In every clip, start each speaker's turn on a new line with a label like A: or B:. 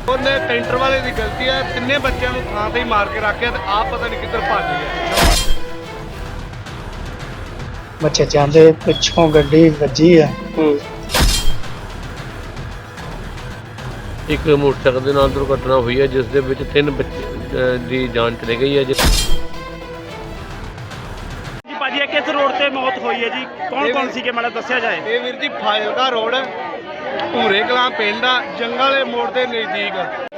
A: ਉਹਨੇ ਕੈਂਟਰ ਵਾਲੇ ਦੀ ਗਲਤੀ ਹੈ। ਤਿੰਨੇ ਬੱਚਿਆਂ ਨੂੰ ਥਾਂ ਤੇ ਹੀ ਮਾਰ ਕੇ ਰੱਖਿਆ ਤੇ ਆਪ ਪਤਾ ਨਹੀਂ ਕਿੱਧਰ ਭੱਜ ਗਿਆ।
B: ਬੱਚੇ ਜਾਂਦੇ ਪਿੱਛੋਂ ਗੱਡੀ ਵੱਜੀ ਆ।
C: ਇੱਕ ਮੋਟਰਸਾਈਕਲ ਦੇ ਨਾਲ ਦੁਰਘਟਨਾ ਹੋਈ ਹੈ ਜਿਸ ਦੇ ਵਿੱਚ 3 ਬੱਚੇ ਦੀ ਜਾਨ ਚਲੀ ਗਈ ਹੈ।
D: ਜੀ ਭਾਜੀ ਇਹ ਕਿਸ ਰੋਡ ਤੇ ਮੌਤ ਹੋਈ ਹੈ ਜੀ? ਕੌਣ ਸੀਗੇ ਮਾੜਾ ਦੱਸਿਆ ਜਾਏ।
A: ਇਹ ਵੀਰ ਜੀ ਫਾਜ਼ਿਲਕਾ ਰੋਡ ਭੂਰੇ ਕਲਾਂ ਪਿੰਡ ਆ, ਜੰਗਲ ਵਾਲੇ ਮੋੜ ਦੇ ਨਜ਼ਦੀਕ।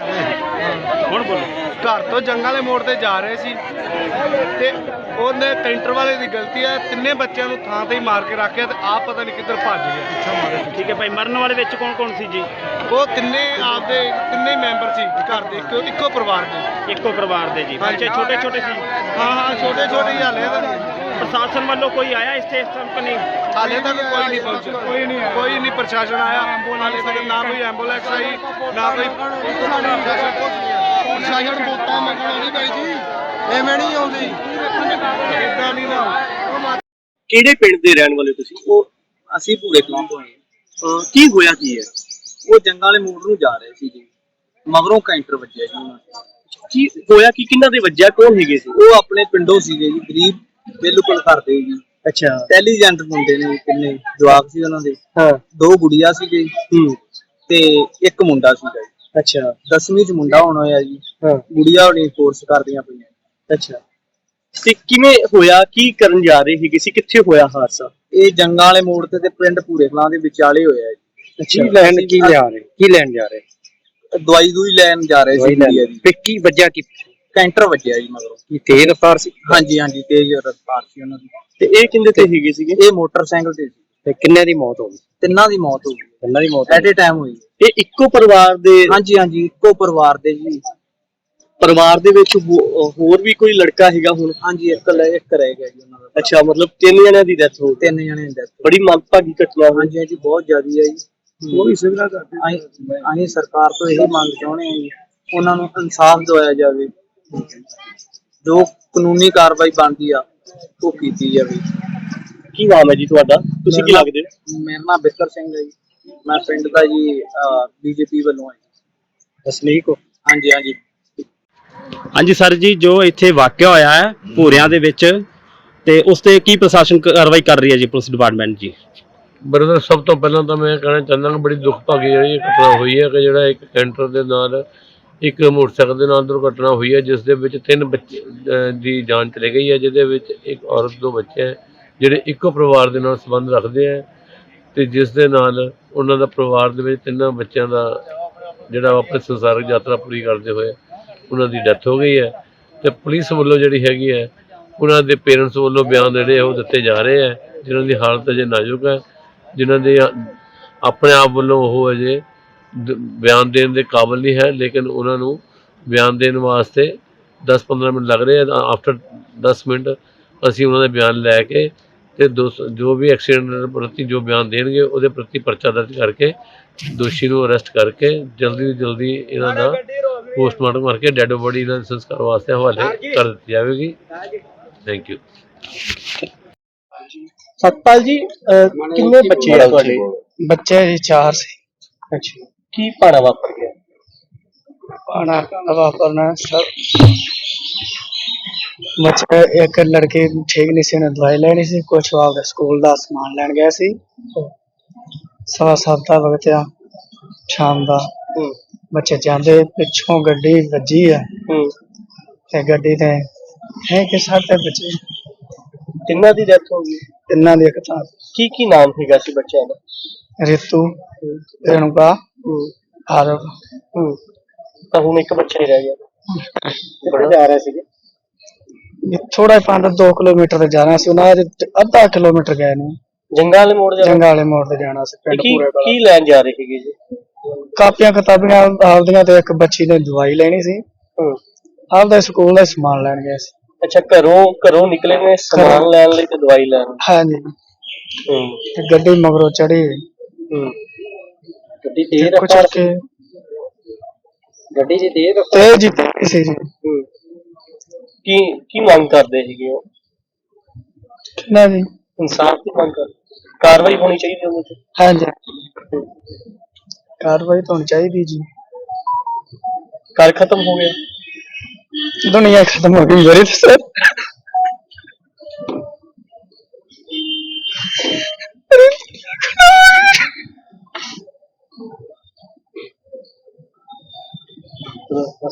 D: ਹੁਣ ਬੋਲੋ।
A: ਘਰ ਤੋਂ ਜੰਗਲ ਵਾਲੇ ਮੋੜ ਤੇ ਜਾ ਰਹੇ ਸੀ ਤੇ ਉਹਨੇ ਕੈਂਟਰ ਵਾਲੇ ਦੀ ਗਲਤੀ ਹੈ। ਤਿੰਨੇ ਬੱਚਿਆਂ ਨੂੰ ਥਾਂ ਤੇ ਹੀ ਮਾਰ ਕੇ ਰੱਖਿਆ ਤੇ ਆਪ ਪਤਾ ਨਹੀਂ ਕਿੱਧਰ ਭੱਜ ਗਿਆ, ਪਿੱਛਾ ਮਾਰੇ।
D: ਠੀਕ ਹੈ ਭਾਈ, ਮਰਨ ਵਾਲੇ ਵਿੱਚ ਕੌਣ ਸੀ ਜੀ?
A: ਉਹ ਤਿੰਨੇ ਹੀ ਮੈਂਬਰ ਸੀ ਘਰ ਦੇ, ਇੱਕੋ ਪਰਿਵਾਰ ਦੇ।
D: ਇੱਕੋ ਪਰਿਵਾਰ ਦੇ ਜੀ। ਬੱਚੇ ਛੋਟੇ ਸੀ।
A: ਹਾਂ ਛੋਟੇ ਹੀ ਹਾਲੇ ਤਾਂ।
D: ਪ੍ਰਸ਼ਾਸਨ ਵੱਲੋਂ ਕੋਈ ਆਇਆ ਇੱਥੇ ਇਸ ਟਾਈਮ ਨਹੀਂ?
A: ਹਾਲੇ ਤੱਕ ਕੋਈ ਨਹੀਂ ਪਹੁੰਚਿਆ, ਕੋਈ ਨਹੀਂ ਪ੍ਰਸ਼ਾਸਨ ਆਇਆ ਹਾਲੇ ਤੱਕ। ਨਾ ਕੋਈ ਐਂਬੂਲੈਂਸ ਆਈ, ਨਾ ਕੋਈ ਪ੍ਰਸ਼ਾਸਨ। ਵੋਟਾਂ ਮੰਗਣ ਆਉਂਦੀ ਬਾਈ ਜੀ, ਐਵੇਂ ਨਹੀਂ ਆਉਂਦੀ, ਇਦਾਂ ਨਹੀਂ ਨਾ।
E: ਕਿਹੜੇ ਪਿੰਡ ਦੇ ਰਹਿਣ ਵਾਲੇ ਤੁਸੀਂ?
F: ਉਹ ਅਸੀਂ ਭੂਰੇ ਕਲਾਂ ਤੋਂ ਆਏ।
E: ਕੀ ਹੋਇਆ ਕੀ ਹੈ?
F: ਉਹ ਜੰਗਾਂ ਵਾਲੇ ਮੋੜ ਨੂੰ ਜਾ ਰਹੇ ਸੀ ਜੀ, ਮਗਰੋਂ ਕੈਂਟਰ ਵੱਜਿਆ ਜੀ ਉਹਨਾਂ ਨੂੰ।
E: ਕੀ ਹੋਇਆ ਕੀ? ਕਿੰਨਾਂ ਦੇ ਵੱਜਿਆ? ਕੌਣ ਹੈਗੇ ਸੀ?
F: ਉਹ ਆਪਣੇ ਪਿੰਡੋਂ ਸੀਗੇ ਜੀ, ਗਰੀਬ ਬਿਲਕੁਲ ਕਰਦੇ ਜੀ।
E: ਅੱਛਾ,
F: ਇੰਟੈਲੀਜੈਂਟ ਮੁੰਡੇ ਨੇ, ਕਿੰਨੇ ਜਵਾਬ ਸੀ ਉਹਨਾਂ ਦੇ।
E: ਹਾਂ।
F: 2 ਗੁੜੀਆਂ ਸੀਗੇ ਤੇ 1 ਮੁੰਡਾ ਸੀਗਾ ਜੀ।
E: ਅੱਛਾ,
F: 10ਵੀਂ ਚ ਮੁੰਡਾ ਹੋਣਾ ਹੋਇਆ ਜੀ।
E: ਹਾਂ।
F: ਗੁੜੀਆਂ ਹੋਣੀ ਕੋਰਸ ਕਰਦੀਆਂ ਪਈਆਂ।
E: ਅੱਛਾ। ਤੇ ਕਿਵੇਂ ਹੋਇਆ? ਕੀ ਕਰਨ ਜਾ ਰਹੇ ਸੀਗੇ ਸੀ? ਕਿੱਥੇ ਹੋਇਆ ਹਾਦਸਾ?
F: ਇਹ ਜੰਗਾਂ ਵਾਲੇ ਮੋੜ ਤੇ ਪਿੰਡ ਭੂਰੇ ਕਲਾਂ ਦੇ ਵਿਚਾਲੇ ਹੋਇਆ ਜੀ।
E: ਅੱਛਾ,
B: ਕੀ ਲੈਣ ਜਾ ਰਹੇ?
F: ਦਵਾਈ ਦੂਈ ਲੈਣ ਜਾ ਰਹੇ ਸੀ ਗੁੜੀਆ ਜੀ।
B: ਕੀ ਵੱਜਿਆ? ਕੀ
F: ਕੈਂਟਰ ਵੱਜਿਆ ਜੀ ਮਗਰੋਂ।
B: ਕੀ ਤੇਜ਼ ਰਫ਼ਤਾਰ ਸੀ?
F: ਹਾਂਜੀ ਤੇਜ਼ ਰਫ਼ਤਾਰ ਸੀ ਉਹਨਾਂ ਦੀ।
E: ਤੇ ਇਹ ਕਿੰਦੇ ਤੇ ਹੈਗੇ ਸੀਗੇ?
F: ਇਹ ਮੋਟਰਸਾਈਕਲ ਤੇ ਸੀ।
B: ਤੇ ਕਿੰਨੇ ਦੀ ਮੌਤ ਹੋ ਗਈ?
F: ਤਿੰਨਾਂ ਦੀ ਮੌਤ ਹੋ ਗਈ।
B: ਤਿੰਨਾਂ ਦੀ ਮੌਤ
F: ਐਟ ਏ ਟਾਈਮ ਹੋਈ।
E: ਇਹ ਇੱਕੋ ਪਰਿਵਾਰ ਦੇ?
F: ਹਾਂਜੀ ਇੱਕੋ ਪਰਿਵਾਰ ਦੇ ਜੀ।
E: ਪਰਿਵਾਰ ਦੇ ਵਿੱਚ ਹੋਰ ਵੀ ਕੋਈ ਲੜਕਾ ਹੈਗਾ ਹੁਣ?
F: ਹਾਂਜੀ ਇੱਕ ਰਹਿ ਗਿਆ ਜੀ ਉਹਨਾਂ ਦਾ।
E: ਅੱਛਾ, ਮਤਲਬ 3 ਜਣਿਆਂ ਦੀ ਡੈਥ ਹੋ ਗਈ।
F: 3 ਜਣੇ ਦੀ ਡੈਥ।
E: ਬੜੀ ਮੰਦਭਾਗੀ ਘਟਨਾ ਹੋਈ।
F: ਹਾਂਜੀ ਬਹੁਤ ਜ਼ਿਆਦਾ ਹੈ ਜੀ। ਉਹ ਵੀ ਸੁਵਿਧਾ ਕਰਦੇ। ਅਸੀਂ ਸਰਕਾਰ ਤੋਂ ਇਹ ਮੰਗ ਚਾਹੁੰਦੇ ਹਾਂ ਜੀ, ਉਹਨਾਂ ਨੂੰ ਇਨਸਾਫ ਦਿਵਾਇਆ ਜਾਵੇ, ਜੋ ਕਾਨੂੰਨੀ ਕਾਰਵਾਈ ਬਣਦੀ ਆ ਉਹ ਕੀਤੀ ਜਾਵੇ।
E: ਕੀ ਨਾਮ ਹੈ ਜੀ ਤੁਹਾਡਾ? ਤੁਸੀਂ ਕੀ ਲੱਗਦੇ ਹੋ?
F: ਮੇਰਾ ਨਾਮ ਬਿੱਕਰ ਸਿੰਘ ਹੈ ਜੀ। ਮੈਂ ਪਿੰਡ ਦਾ ਜੀ ਬੀਜੇਪੀ ਵੱਲੋਂ ਹੈ।
B: ਵਸਨੀਕ ਹੋ?
F: ਹਾਂਜੀ
D: ਹਾਂਜੀ ਸਰ ਜੀ, ਜੋ ਇੱਥੇ ਵਾਕਿਆ ਹੋਇਆ ਹੈ ਭੂਰਿਆਂ ਦੇ ਵਿੱਚ, ਤੇ ਉਸ ਤੇ ਕੀ ਪ੍ਰਸ਼ਾਸਨ ਕਾਰਵਾਈ ਕਰ ਰਹੀ ਹੈ ਜੀ, ਪੁਲਿਸ ਡਿਪਾਰਟਮੈਂਟ ਜੀ?
C: ਬਰਦਰ, ਸਭ ਤੋਂ ਪਹਿਲਾਂ ਤਾਂ ਮੈਂ ਕਹਿਣਾ ਚਾਹੁੰਦਾ ਕਿ ਬੜੀ ਦੁਖਭਾਗੀ ਜਿਹੜੀ ਘਟਨਾ ਹੋਈ ਹੈ ਕਿ ਜਿਹੜਾ ਇੱਕ ਕੈਂਟਰ ਦੇ ਨਾਲ ਇੱਕ ਮੋਟਰਸਾਈਕਲ ਦੇ ਨਾਲ ਦੁਰਘਟਨਾ ਹੋਈ ਹੈ ਜਿਸ ਦੇ ਵਿੱਚ 3 ਬੱਚੇ ਦੀ ਜਾਨ ਚਲੀ ਗਈ ਹੈ, ਜਿਹਦੇ ਵਿੱਚ ਇੱਕ ਔਰਤ 2 ਬੱਚੇ ਹੈ ਜਿਹੜੇ ਇੱਕੋ ਪਰਿਵਾਰ ਦੇ ਨਾਲ ਸੰਬੰਧ ਰੱਖਦੇ ਹੈ ਤੇ ਜਿਸ ਦੇ ਨਾਲ ਉਹਨਾਂ ਦਾ ਪਰਿਵਾਰ ਦੇ ਵਿੱਚ 3 ਬੱਚਿਆਂ ਦਾ ਜਿਹੜਾ ਆਪਣੇ ਸੰਸਾਰਿਕ ਯਾਤਰਾ ਪੂਰੀ ਕਰਦੇ ਹੋਏ ਉਹਨਾਂ ਦੀ ਡੈਥ ਹੋ ਗਈ ਹੈ। ਤੇ ਪੁਲਿਸ ਵੱਲੋਂ ਜਿਹੜੀ ਹੈਗੀ ਹੈ ਉਹਨਾਂ ਦੇ ਪੇਰੈਂਟਸ ਵੱਲੋਂ ਬਿਆਨ ਜਿਹੜੇ ਉਹ ਦਿੱਤੇ ਜਾ ਰਹੇ ਹੈ, ਜਿਨ੍ਹਾਂ ਦੀ ਹਾਲਤ ਅਜੇ ਨਾਜ਼ੁਕ ਹੈ, ਜਿਨ੍ਹਾਂ ਦੇ ਆਪਣੇ ਆਪ ਵੱਲੋਂ ਉਹ ਅਜੇ ਬਿਆਨ ਦੇਣ ਦੇ ਕਾਬਿਲ ਨਹੀਂ ਹੈ, ਲੇਕਿਨ ਉਹਨਾਂ ਨੂੰ ਬਿਆਨ ਦੇਣ ਵਾਸਤੇ 10-15 ਮਿੰਟ ਲੱਗ ਰਹੇ ਆ। ਆਫਟਰ 10 ਮਿੰਟ ਅਸੀਂ ਉਹਨਾਂ ਦੇ ਬਿਆਨ ਲੈ ਕੇ ਤੇ ਜੋ ਵੀ ਐਕਸੀਡੈਂਟ ਪ੍ਰਤੀ ਜੋ ਬਿਆਨ ਦੇਣਗੇ ਉਹਦੇ ਪ੍ਰਤੀ ਪਰਚਾ ਦਰਜ ਕਰਕੇ ਦੋਸ਼ੀ ਨੂੰ ਅਰੈਸਟ ਕਰਕੇ ਜਲਦੀ ਤੋਂ ਜਲਦੀ ਇਹਨਾਂ ਦਾ ਪੋਸਟਮਾਰਟਮ ਕਰਕੇ ਡੈਡ ਬੋਡੀ ਇਹਨਾਂ ਦੇ ਸੰਸਕਾਰ ਵਾਸਤੇ ਹਵਾਲੇ ਕਰ ਦਿੱਤੀ ਜਾਵੇਗੀ। Thank you.
E: ਸਤਪਾਲ ਜੀ, ਕਿੰਨੇ ਬੱਚੇ ਆ ਤੁਹਾਡੇ?
B: ਬੱਚੇ ਜੀ 4 ਸੀ।
E: ਅੱਛਾ, ਕੀ ਭਾਣਾ ਵਾਪਰ ਗਿਆ?
B: पाना वापरना सब बच्चे एक लड़की ठीक नहीं सी, दवाई लेनी सी, कुछ आपके स्कूल का समान लैन गया सी। 7:15 का वक्त आ शाम का। बच्चे जाते पिछों गड्डी वजी है, गड्डी ने है कि 7 बच्चे
E: ਤਿੰਨਾਂ ਦੀ ਡੈਥ ਹੋ ਗਈ।
B: तिना दी एक था।
E: ਕੀ ਨਾਮ ਹੈਗਾ ਸੀ ਬੱਚਿਆਂ ਦਾ?
B: रितु, रेणुका, आरव।
E: ਤਾਂ ਹੁਣ ਇੱਕ ਬੱਚਾ ਹੀ ਰਹਿ ਗਿਆ।
B: बड़े जा रहे थे थोड़ा 5-2 किलोमीटर तक जाना सी, आधा किलोमीटर गए ने।
E: ਜੰਗਾਂ ਵਾਲੇ ਮੋੜ ਜਾਣਾ?
B: जंगा वाले मोड़ ते जाना सी पिंड पूरे वाला।
E: ਕੀ ਲੈਣ ਜਾ ਰਹੇ ਸੀਗੇ ਜੀ?
B: ਕਾਪੀਆਂ ਕਿਤਾਬੀਆਂ ਆਪਦੀਆਂ ਤੇ ਇੱਕ ਬੱਚੀ ਨੇ ਦਵਾਈ ਲੈਣੀ ਸੀ। ਆਪਦਾ ਸਕੂਲ ਦਾ ਸਮਾਨ ਲੈਣ ਗਏ ਸੀ।
E: ਅੱਛਾ, ਘਰੋਂ ਨਿਕਲੇ ਨੇ ਸਮਾਨ ਲੈਣ ਲਈ ਤੇ ਦਵਾਈ ਲੈਣ?
B: ਹਾਂਜੀ। ਤੇ ਗੱਡੀ ਮਗਰੋਂ ਚੜੀ।
E: ਗੱਡੀ ਤੇਜ਼ ਰਫ਼ਤਾਰ ਸੀ? ਗੱਡੀ ਜੀ ਤੇਜ਼ ਰਫ਼ਤਾਰ
B: ਜੀ ਸੀ ਜੀ।
E: ਕੀ ਮੰਗ ਕਰਦੇ ਸੀਗੇ ਉਹ?
B: ਨਾ ਜੀ
E: ਇਨਸਾਫ ਦੀ ਮੰਗ ਕਰ, ਕਾਰਵਾਈ ਹੋਣੀ ਚਾਹੀਦੀ ਉਹਦੇ ਤੇ।
B: ਹਾਂਜੀ, ਕਾਰਵਾਈ ਤਾਂ ਹੋਣੀ ਚਾਹੀਦੀ ਜੀ।
E: ਘਰ ਖਤਮ ਹੋ ਗਿਆ।
B: दुनिया खत्म हो गई मेरी तो सर